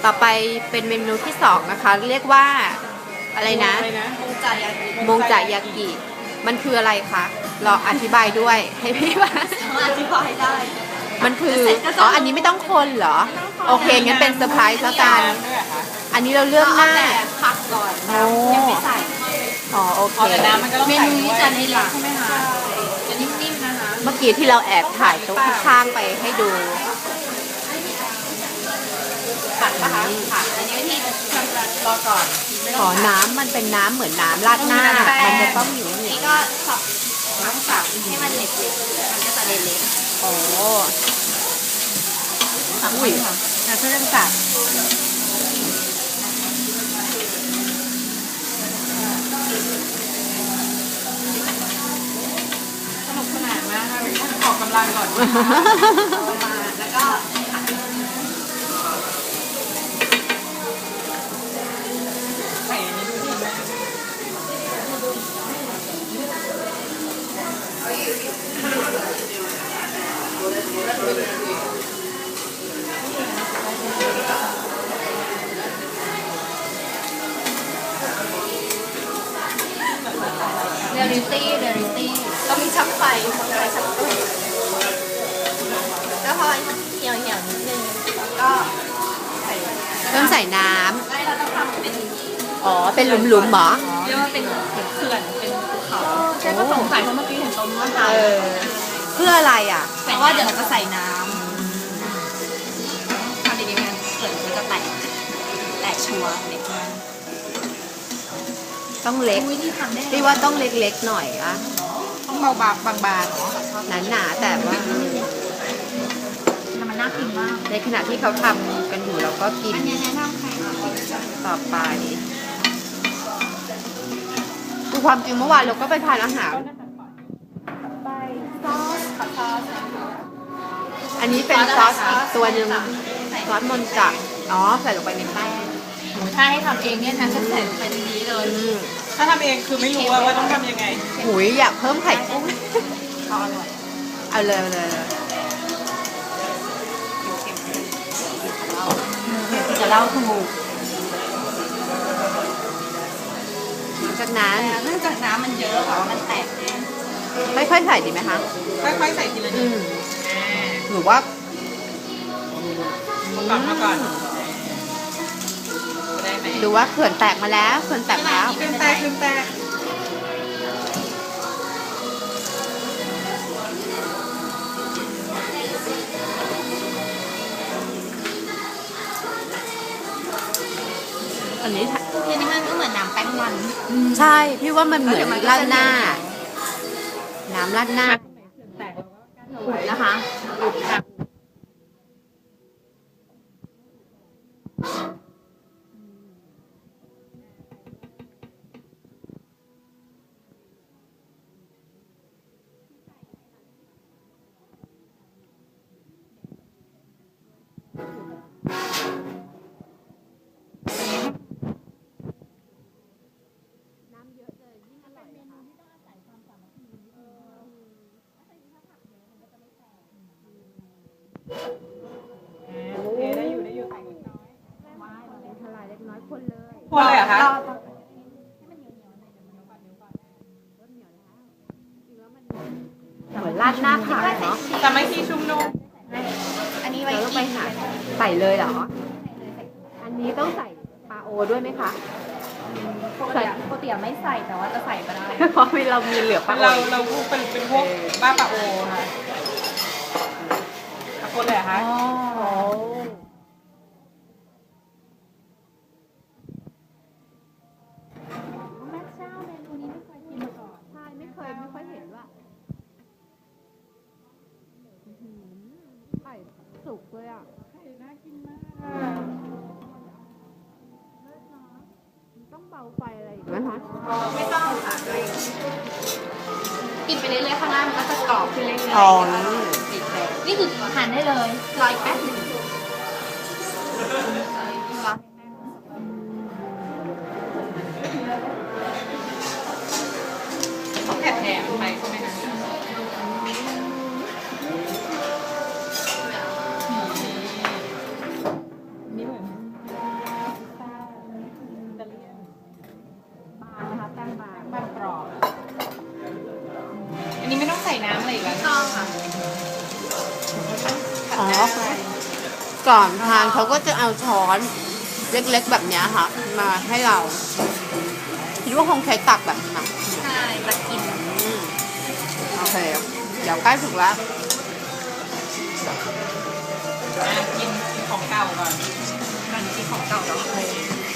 ต่อไปเป็นเมนูที่สองนะคะ เรียกว่าอะไรนะมงจ่ายากิมงจะยากิมันคืออะไรคะลองอธิบายด้วยให้พี่ว่าอธิบายได้มันคืออ๋ออันนี้ไม่ต้องคนเหรอโอเคงั้นเป็นเซอร์ไพรส์แล้วกันอันนี้เราเลือกหน้าผักก่อนยังไม่ใส่อ๋อโอเคแต่น้ำมันก็ต้องใส่เมนูนี้จะเล็กใช่ไหมคะจะนิ่มๆนะคะเมื่อกี้ที่เราแอบถ่ายโต๊ะข้างๆไปให้ดูผัดนะคะผัดอันนี้ที่รอก่อนขอน้ำมันเป็นน้ำเหมือนน้ำราดหน้ามันจะต้องอยู่นี่ก็สับน้ำสับให้มันเล็กๆมันก็จะเล็กโอ้อุ้ยนะเพื่อนสับสนุกสนานมากค่ะออกกำลังก่อนมาแล้วก็ใส่อันนี้ดูดีไหมเรียลลิตี้ต้องมีชักไฟชักตู้แล้วพอเหี่ยวนิดนึงแล้วก็ต้องใส่น้ำเราต้องทำเป็นอ๋อเป็นหลุมๆเหรอเรียกว่าเป็นเขื่อนเป็นภูเขาแค่ก็สงสัยเพราะเมื่อกี้เห็นตรงว่าเพื่ออะไรอ่ะเพราะว่าเดี๋ยวเราจะใส่น้ำทำดีๆมันเขื่อนมันจะแตกชัวร์เล็กมากต้องเล็กพี่ว่าต้องเล็กๆหน่อยอะต้องเบาบางๆเนาะหนาแต่ว่ามันน่ากินมากในขณะที่เขาทำกันอยู่เราก็กินอันนี้แนะนำใครต่อไปคือความจริงเมื่อวานเราก็ไปทานอาหารไปซอสอันนี้เป็นซอสอีกตัวหนึ่งซอสมนจะอ๋อใส่ลงไปในแป้งถ้าให้ทำเองเนี่ยนะจะใส่ลงไปในนี้เลยถ้าทำเองคือไม่รู้ว่าต้องทำยังไงหุยอยากเพิ่มไข่กุ้งอร่อยเอาเลยจะเล่าถูกจากนั้นเนื่องจากน้ำมันเยอะค่ะมันแตกค่อยๆใส่ดีไหมคะค่อยๆใส่ทีละนิดหรือว่ามาก่อนดูว่าเขื่อนแตกมาแล้วเขื่อนแตกแล้วเขื่อนแตกอันนี้มันก็เหมือนน้ำแป้งมันใช่พี่ว่ามันเหมือนราดหน้าน้ำราดหน้านะคะได้อยู่ใส่เล็กน้อยทลายเล็กน้อยคนเลยเหรอคะเหมือนราดหน้าผักเนาะแต่ไม่ที่ชุ่มนุ่มอันนี้ไว้ต้องไปหาใส่เลยเหรออันนี้ต้องใส่ปลาโอด้วยไหมคะปกติไม่ใส่แต่ว่าจะใส่ก็ได้เพราะเรามีเหลือปลาโอเราเป็นพวกบ้าปลาโอค่ะตะโกนเลยค่ะแม่เจ้าเมนูนี้ไม่เคยกินมาก่อนใช่ไม่ค่อยเห็นว่าไข่สุกเลยอ่ะไข่น่ากินมากต้องเบาไฟอะไรอีกไหมคะไม่ต้องค่ะกินไปเรื่อยๆข้างล่างมันก็จะกรอบขึ้นเรื่อยๆนี่คือทานได้เลยรออีกแป๊บนึงแผลไปใช่ไหมคะนี่เหมือนใส่น้ำอะไรอีกแล้วต้องค่ะอ๋อ ก่อนทานเขาก็จะเอาช้อนเล็กๆแบบเนี้ยค่ะ มาให้เราคิดว่าคงใช้ตักแบบนี้นะใช่จะกินโอเค เดี๋ยวใกล้ถึงแล้วกินของเก่าก่อนมันกินของเก่าแล้ว